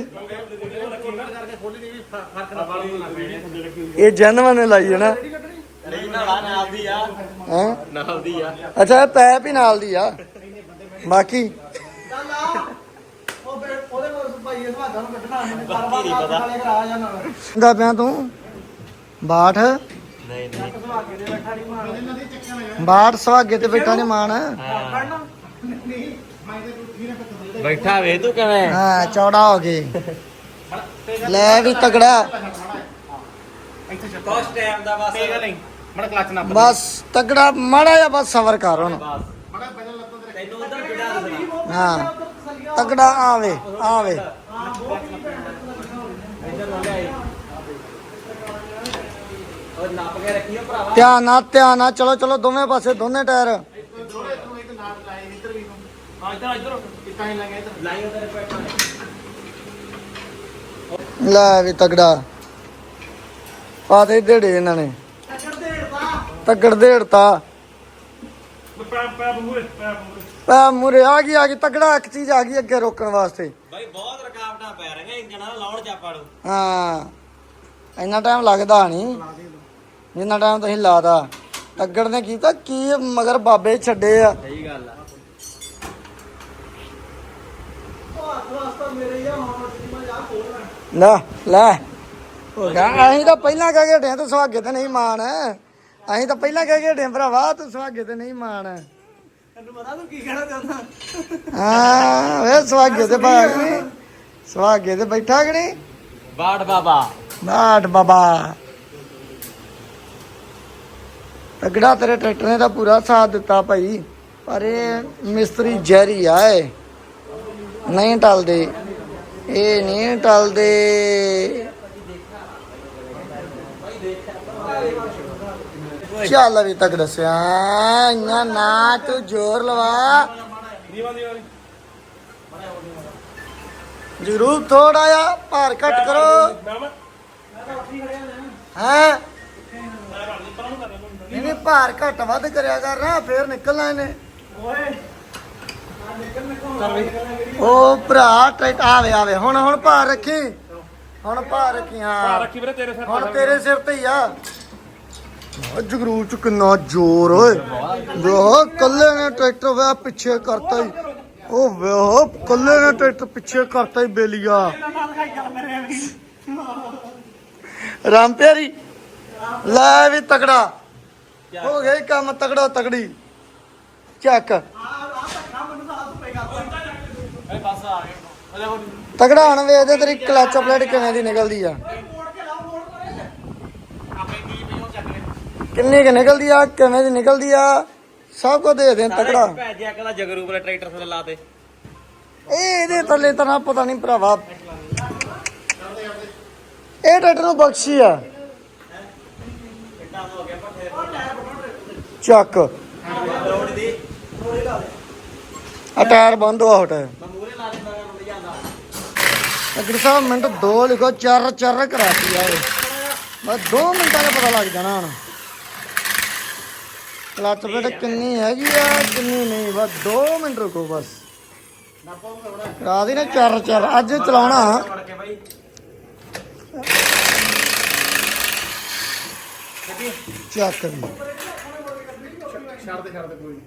ਇਹ ਜਨਮ ਨੇ ਲਾਈ ਹੈ ਨਾ ਨਹੀਂ ਨਾਲ ਨਾਲ ਦੀ ਆ ਹੈ ਨਾਲ ਦੀ ਆ ਅੱਛਾ ਇਹ ਪੈਪ ਹੀ ਨਾਲ ਦੀ ਆ ਬਾਕੀ ਚੱਲ ਆ ਉਹ ਬੇ- ਉਹਦੇ ਕੋਲ ਭਾਈ ਇਹ ਸਵਾਦਾਂ ਨੂੰ ਕੱਢਣਾ ਇਹਨੇ ਬਾਰ-ਬਾਰ ਨਾਲੇ ਕਰਾ ਜਾ ਨਾਲ ਦਾ ਪਿਆ ਤੂੰ ਬਾਠ ਨਹੀਂ ਨਹੀਂ ਸੁਹਾਗੇ ਦੇ ਬੈਠਾ ਨਹੀਂ ਮਾਰ ਬਾਠ ਸੁਹਾਗੇ ਤੇ ਬੈਠਾ ਨੇ ਮਾਣ ਕੱਢਣਾ ਨਹੀਂ ਬੈਠਾ ਵੇ ਤੂੰ ਕਿਵੇਂ ਹਾਂ ਚੌੜਾ ਹੋ ਗਏ ਲੈ ਵੀ ਤਗੜਾ ਕੁਛ ਟਾਈਮ ਦਾ ਬਸ ਨਹੀਂ ਮੜ ਕਲਚ ਨਾ ਬਸ ਤਗੜਾ ਮਾੜਾ ਜਿਹਾ ਬਸ ਸਬਰ ਕਰ ਹੁਣ ਤੈਨੂੰ ਉਧਰ ਬਿੜਾ ਦੱਸਣਾ ਹਾਂ ਤਗੜਾ ਆਵੇ ਆਵੇ ਇੱਧਰ ਨਾ ਲੈ ਉਹ ਨੱਪ ਕੇ ਰੱਖੀਓ ਭਰਾਵਾ ਧਿਆਨ ਨਾਲ ਧਿਆਨ ਨਾਲ ਚਲੋ ਚਲੋ ਦੋਵੇਂ ਪਾਸੇ ਦੋਨੇ ਟਾਇਰ ਹਾਂ ਇੱਧਰ ਇੱਧਰ ਲਾਈ ਉਧਰ ਪੈਟਾ ਲੈ ਵੀ ਤਗੜਾ ਪਾ ਦੇ ਢੇੜੇ ਇਹਨਾਂ ਨੇ ਟੱਕਰ ਦੇੜਦਾ ਤਗੜ ਦੇੜਤਾ ਪੈਪ ਪੈਪ ਮੂਰੇ ਪੈਪ ਮੂਰੇ ਪੈ ਮੁਰੇ ਆ ਗਈ ਆ ਗਈ ਤਗੜਾ ਇੱਕ ਚੀਜ਼ ਆ ਗਈ ਅੱਗੇ ਰੋਕਣ ਵਾਸਤੇ ਬਾਈ ਬਹੁਤ ਰਕਾਵਟਾਂ ਪੈ ਰਹੀਆਂ ਇੰਜਣਾਂ ਦਾ ਲਾਉਣ ਚਾਪਾ ਨੂੰ ਹਾਂ ਇੰਨਾ ਟਾਈਮ ਲੱਗਦਾ ਨਹੀਂ ਜਿੰਨਾ ਟਾਈਮ ਤੁਸੀਂ ਲਾਦਾ ਤਗੜ ਨੇ ਕੀਤਾ ਕੀ ਮਗਰ ਬਾਬੇ ਛੱਡੇ ਆ ਸਹੀ ਗੱਲ ਆ ਉਹ ਹੱਥ ਵਾਸਤਾ ਮੇਰੇ ਯਾ ਹੁਣ ਮੈਂ ਜਾ ਖੋਲਣਾ ਲੈ ਲੈ ਅਸੀਂ ਤਾਂ ਪਹਿਲਾਂ ਕਹਿ ਕੇ ਹਟੇ ਤੂੰ ਸੁਹਾਗੇ ਤੇ ਨਹੀਂ ਮਾਣ ਅਸੀਂ ਤਾਂ ਪਹਿਲਾਂ ਕਹਿ ਕੇ ਹਟੇ ਭਰਾਵਾ ਤੂੰ ਸੁਹਾਗੇ ਤੇ ਨਹੀਂ ਮਾਣ ਤੈਨੂੰ ਪਤਾ ਤੂੰ ਕੀ ਕਹਿਣਾ ਚਾਹੁੰਦਾ ਹਾਂ ਵੇ ਸੁਹਾਗੇ ਤੇ ਭਾਗ ਨਹੀਂ ਸੁਹਾਗੇ ਤੇ ਬੈਠਾ ਕਿ ਨਹੀਂ ਬਾੜ ਬਾਬਾ ਬਾਟ ਬਾਬਾ ਤਗੜਾ ਤੇਰੇ ਟਰੈਕਟਰ ਨੇ ਤਾਂ ਪੂਰਾ ਸਾਥ ਦਿੱਤਾ ਭਾਈ ਪਰ ਇਹ ਮਿਸਤਰੀ ਜ਼ਹਿਰੀ ਆ ਇਹ ਨਹੀਂ ਟਲਦੇ ਇਹ ਨਹੀਂ ਟਲਦੇ ਚੱਲ ਵੀ ਤੱਕ ਦੱਸਿਆ ਇੰਨਾ ਨਾ ਤੂੰ ਜ਼ੋਰ ਲਵਾ ਦੀਵਾ ਦੀਵਾ ਜਰੂਰ ਥੋੜਾ ਜਿਹਾ ਭਾਰ ਘੱਟ ਕਰੋ ਹੈ। ਨਹੀਂ ਨਹੀਂ ਭਾਰ ਘੱਟ ਵੱਧ ਕਰਿਆ ਕਰ ਨਾ ਫੇਰ ਨਿਕਲਣਾ ਇਹਨੇ। ਉਹ ਭਰਾ ਟਰੈਕਟਰ ਆਵੇ ਆਵੇ ਹੁਣ ਹੁਣ ਭਾਰ ਰੱਖੀ ਹੁਣ ਭਾਰ ਰੱਖੀ ਹਾਂ ਰੱਖੀ ਵੀਰੇ ਤੇਰੇ ਸਿਰ ਹੁਣ ਤੇਰੇ ਸਿਰ ਤੇ ਹੀ ਆ। ਜਗਰੂ ਚ ਕਿੰਨਾ ਜ਼ੋਰ ਓਏ ਵੇਹ ਕੱਲੇ ਨੇ ਟਰੈਕਟਰ ਵੇ ਪਿੱਛੇ ਕਰਤਾ ਹੀ। ਉਹ ਵੇਹ ਕੱਲੇ ਨੇ ਟਰੈਕਟਰ ਪਿੱਛੇ ਕਰਤਾ ਹੀ ਬੇਲੀਆ। ਰਾਮ ਪਿਆਰੀ ਲੈ ਵੀ ਤਕੜਾ ਹੋ ਗਿਆ ਈ ਕੰਮ ਤਕੜਾ ਤਕੜੀ ਚੱਕ ਤਗੜਾ ਹੁਣ ਵੇਖਦੇ ਤੇਰੀ ਕਲਚ ਪਲੇਟ ਕਿਵੇਂ ਦੀ ਨਿਕਲਦੀ ਆ ਕਿੰਨੀ ਕਿ ਨਿਕਲਦੀ ਆ ਕਿਵੇਂ ਦੀ ਨਿਕਲਦੀ ਆ ਸਭ ਕੁਝ ਦੇ ਦੇ ਤਗੜਾ ਭੈਜਿਆ ਕਹਿੰਦਾ ਜਗਰੂ ਵਾਲੇ ਟਰੈਕਟਰ ਥੱਲੇ ਲਾ ਤੇ ਇਹ ਇਹਦੇ ਥੱਲੇ ਤਾਂ ਨਾ ਪਤਾ ਨਹੀਂ ਭਰਾਵਾ ਇਹ ਟਰੈਕਟਰ ਨੂੰ ਬਖਸ਼ੀ ਆ ਚੱਕ ਆ ਟਾਇਰ ਬੰਦ ਹੋਆ ਹਟਾ ਅਗਰ ਸਾਹਿਬ ਮਿੰਟ ਦੋ ਲਿਖੋ ਚਰ ਚਰ ਕਰਾਤੀ ਆ ਬਸ ਦੋ ਮਿੰਟਾਂ ਦਾ ਪਤਾ ਲੱਗ ਜਾਣਾ ਹੁਣ ਕਲਚ ਪਲੇਟ ਕਿੰਨੀ ਹੈਗੀ ਆ ਕਿੰਨੀ ਨਹੀਂ ਬਸ ਦੋ ਮਿੰਟ ਰੁਕੋ ਬਸ ਕਰਾ ਦੀ ਨਾ ਚਰ ਚਰ ਅੱਜ ਚਲਾਉਣਾ ਚੱਕ ਦੀ ਛੱਡ ਦੇ ਛੱਡ ਦੇ ਕੋਈ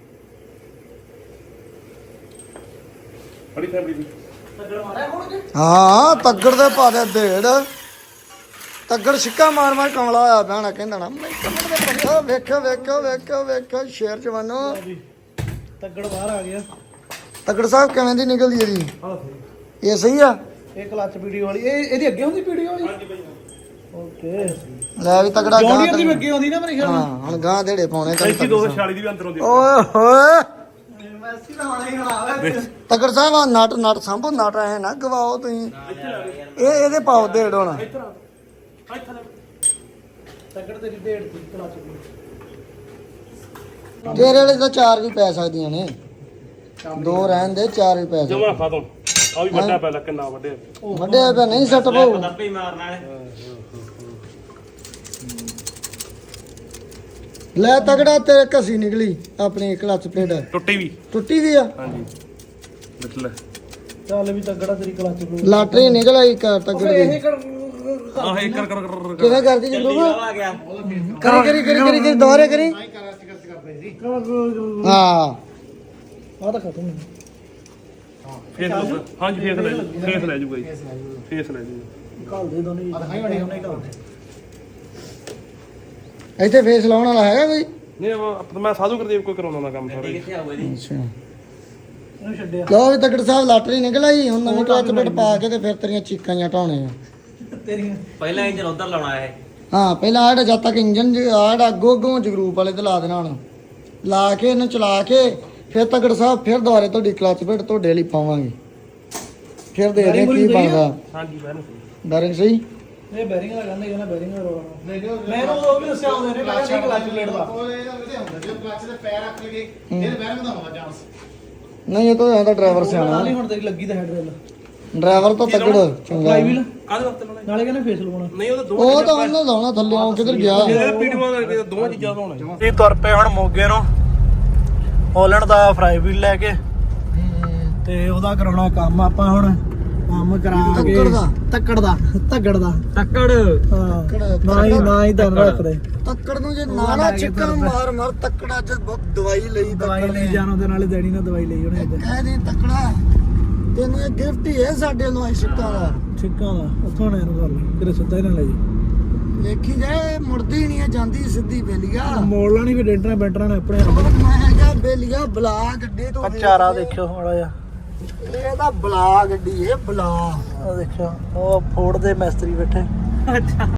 ਬੜੀ ਫੈਬਰੀ ਦੀ ਹਾਂ ਤੱਗੜ ਦੇ ਪਾ ਦੇ ਢੇੜ ਤੱਗੜ ਛਿੱਕਾ ਮਾਰ ਮਾਰ ਕਮਲਾ ਹੋਇਆ ਭੈਣਾ ਕਹਿੰਦਾ ਨਾ ਵੇਖੋ ਵੇਖੋ ਵੇਖੋ ਵੇਖੋ ਵੇਖੋ ਸ਼ੇਰ ਜਵਾਨੋ ਤੱਗੜ ਬਾਹਰ ਆ ਗਿਆ। ਤੱਗੜ ਸਾਹਿਬ ਕਿਵੇਂ ਦੀ ਨਿਕਲਦੀ ਇਹਦੀ ਇਹ ਸਹੀ ਆ ਇਹ ਕਲਚ ਵੀਡੀਓ ਵਾਲੀ ਇਹ ਇਹਦੀ ਅੱਗੇ ਹੁੰਦੀ ਵੀਡੀਓ ਵਾਲੀ ਓਕੇ ਲੈ ਵੀ ਤੱਗੜਾ ਜੌਂਡੀਅਰ ਦੀ ਅੱਗੇ ਹੁੰਦੀ ਨਾ ਮੇਰੇ ਖਿਆਲ ਹਾਂ ਹੁਣ ਗਾਂ ਢੇੜੇ ਪਾਉਣੇ ਐਸੀ ਦੋ ਸੌ ਛਿਆਲੀ ਦੀ ਵੀ ਅੰਦਰ ਆਉਂਦੀ ਓਏ ਹੋਏ ਮੈਸੀ ਤਾਂ ਆਣਾ ਹੀ ਖੜਾ ਤੱਗੜ ਸਾਹਿਬ ਆ ਨਟ ਨਟ ਸੰਭੋ ਨਟ ਐ ਨਾ ਗਵਾਓ ਤੁਸੀਂ ਇਹ ਇਹਦੇ ਪਾਓ ਢੇੜ ਹੁਣ ਤੱਗੜ ਤੇਰੀ ਡੇਢ ਦੀ ਕਲਚ ਤੇਰੇ ਵਾਲੇ ਤਾਂ ਚਾਰ ਵੀ ਪੈ ਸਕਦੀਆਂ ਨੇ ਦੋ ਰਹਿਣ ਦੇ ਚਾਰ ਵੀ ਪੈ ਜਮਾ ਸਕਦੇ ਖਤਮ ਆ ਵੀ ਵੱਡਾ ਪਹਿਲਾਂ ਕਿੰਨਾ ਵੱਡੇ ਵੱਡੇ ਪੈ ਨਹੀਂ ਸੱਟ ਪਾਉ ਦੱਪੇ ਮਾਰਨਾ ਹੈ ਲੈ ਤਗੜਾ ਤੇਰੇ ਘਸੀ ਨਿਕਲੀ ਆਪਣੀ ਕਲਚ ਪਲੇਟ ਟੁੱਟੀ ਵੀ ਟੁੱਟੀ ਵੀ ਆ ਹਾਂਜੀ ਦੇਖ ਲੈ ਚੱਲ ਵੀ ਤੱਗੜਾ ਤੇਰੀ ਕਲਚ ਨੂੰ ਲਾਟਰੀ ਨਿਕਲ ਆਈ ਕਰ ਤਗੜ ਇਹ ਦੀ ਕਰ ਆਹ ਇੱਕ ਕਰ ਕਰ ਕਰ ਕਿਵੇਂ ਕਰਦੀ ਜੀ ਚੱਲੀ ਗਰੁੱਪ ਆ ਗਿਆ ਕਰੀ ਕਰੀ ਕਰੀ ਕਰੀ ਕਰੀ ਦੁਬਾਰੇ ਕਰੀ ਹਾਂ ਆ ਤਾਂ ਖਤਮ ਹੈ ਫੇਸ ਹਾਂਜੀ ਫੇਸ ਲੈ ਜੂ ਫੇਸ ਲੈ ਜੂਗਾ ਜੀ ਫੇਸ ਲੈ ਜੂ ਕਾਲ ਦੇ ਦੋਨੇ ਦਿਖਾਈ ਬਣੇ ਉਹਨੇ ਕਾਲ ਇੱਥੇ ਫੇਸ ਲਾਉਣ ਵਾਲਾ ਹੈਗਾ ਕੋਈ ਨਹੀਂ ਉਹ ਮੈਂ ਸਾਧੂ ਗੁਰਦੇਵ ਕੋਈ ਕਰਾਉਣਾ ਨਾ ਕੰਮ ਸਾਰੇ ਕਿੱਥੇ ਆਊਗਾ ਜੀ ਅੱਛਾ ਇਹਨੂੰ ਛੱਡਿਆ ਲੋ ਵੀ ਤਗੜ ਸਾਹਿਬ ਲਾਟਰੀ ਨਿਕਲ ਆਈ ਹੁਣ ਨਵੀਂ ਕਲਚ ਪਲੇਟ ਪਾ ਕੇ ਤੇ ਫਿਰ ਤੇਰੀਆਂ ਚੀਕਾਂ ਜਾਂ ਢਾਉਣੇ ਆ ਤੇਰੀਆਂ ਪਹਿਲਾਂ ਇੰਜਨ ਉਧਰ ਲਾਉਣਾ ਹੈ ਹਾਂ ਪਹਿਲਾਂ ਆੜਾ ਜਦ ਤੱਕ ਇੰਜਨ ਆੜਾ ਅੱਗੋਂ ਅੱਗੋਂ ਜਗਰੂਪ ਵਾਲੇ ਤੇ ਲਾ ਦੇਣਾ ਹੁਣ ਲਾ ਕੇ ਇਹਨੂੰ ਚਲਾ ਕੇ ਫਿਰ ਤਗੜ ਸਾਹਿਬ ਫਿਰ ਦੁਬਾਰੇ ਤੁਹਾਡੀ ਕਲਚ ਪਲੇਟ ਤੁਹਾਡੇ ਲਈ ਪਾਵਾਂਗੇ ਫਿਰ ਦੇਖਦੇ ਹਾਂ ਕੀ ਬਣਦਾ ਹਾਂਜੀ ਮੈਂ ਬੈਰਿੰਗ ਸਹੀ ਇਹ ਬੈਰਿੰਗ ਦਾ ਕਹਿੰਦੇ ਕਿ ਨਾ ਬੈਰਿੰਗ ਦਾ ਰੋਣਾ ਮੈਨੂੰ ਉਹ ਵੀ ਦੱਸਿਆ ਹੁੰਦੇ ਨੇ ਕਹਿੰਦਾ ਠੀਕ ਕਲਚ ਪਲੇਟ ਦਾ ਨਹੀਂ ਇਹ ਤਾਂ ਇਹਦਾ ਡਰਾਈਵਰ ਸਿਆਣਾ ਨਾਲੇ ਹੁਣ ਤੇਰੀ ਲੱਗੀ ਤਾਂ ਹੈਡ ਰੇਲ ਡਰਾਈਵਰ ਤਾਂ ਤਗੜ ਚੰਗਾ ਫਲਾਈ ਵੀਲ ਕਾਹਦੇ ਵਾਸਤੇ ਲਾਉਣਾ ਨਾਲੇ ਕਹਿੰਦੇ ਫੇਸ ਲਵਾਉਣਾ ਨਹੀਂ ਉਹ ਤਾਂ ਦੋ ਉਹ ਤਾਂ ਉਹਨੇ ਲਾਉਣਾ ਥੱਲੇ ਉਹ ਕਿੱਧਰ ਗਿਆ ਇਹ ਪੀਡੀਓ ਦਾ ਦੋਵਾਂ ਚੀਜ਼ਾਂ ਦਾ ਹੋਣਾ ਇਹ ਤੁਰ ਪਏ ਹੁਣ ਮੋਗੇ ਨੂੰ ਹੋਲੈਂਡ ਦਾ ਫਰਾਈ ਵੀਲ ਲੈ ਕੇ ਤੇ ਉਹਦਾ ਕਰਾਉਣਾ ਕੰਮ ਆਪਾਂ ਹੁਣ ਕੰਮ ਕਰਾ ਕੇ ਤੱਕੜ ਦਾ ਤੱਕੜ ਦਾ ਤੱਕੜ ਦਾ ਟੱਕੜ ਹਾਂ ਨਾ ਹੀ ਨਾ ਹੀ ਧਨ ਰੱਖਦੇ ਤੱਕੜ ਨੂੰ ਜੇ ਨਾ ਨਾ ਚਿੱਕਣ ਮਾਰ ਮਾਰ ਤੱਕੜਾ ਚ ਦਵਾਈ ਲਈ ਦਵਾਈ ਲਈ ਜਾਣੋ ਦੇ ਨਾਲੇ ਦੇਣੀ ਨਾ ਦਵਾਈ ਲਈ ਉਹਨੇ ਇੱਧਰ ਕਹਿ ਦੇ ਤੱਕੜਾ ਤੈਨੂੰ ਇਹ ਗਿਫਟ ਹੀ ਹੈ ਸਾਡੇ ਨੂੰ ਇਹ ਸਿੱਕਾ ਦਾ ਛਿੱਕਾਂ ਦਾ ਉੱਥੋਂ ਨੇ ਇਹਨੂੰ ਕਰ ਲਈ ਤੇਰੇ ਸਿੱਧਾ ਹੀ ਨਾ ਲੈ ਜੀ ਦੇਖੀ ਜਾਏ ਮੁੜਦੀ ਨਹੀਂ ਹੈ ਜਾਂਦੀ ਸਿੱਧੀ ਬੇਲੀਆ ਮੋੜ ਲੈਣੀ ਵੀ ਡੈਂਟਰਾਂ ਬੈਂਟਰਾਂ ਨੇ ਆਪਣੇ ਉਹ ਮੈਂ ਕਿਹਾ ਬੇਲੀਆ ਬਲਾ ਗੱਡੀ ਤੋਂ ਚਾਰਾ ਦੇਖਿਓ ਮਾੜਾ ਜਿਹਾ ਇਹ ਤਾਂ ਬਲਾ ਗੱਡੀ ਇਹ ਬਲਾ ਉਹ ਦੇਖਿਓ ਉਹ ਫੋੜ ਦੇ ਮਿਸਤਰੀ ਬੈਠੇ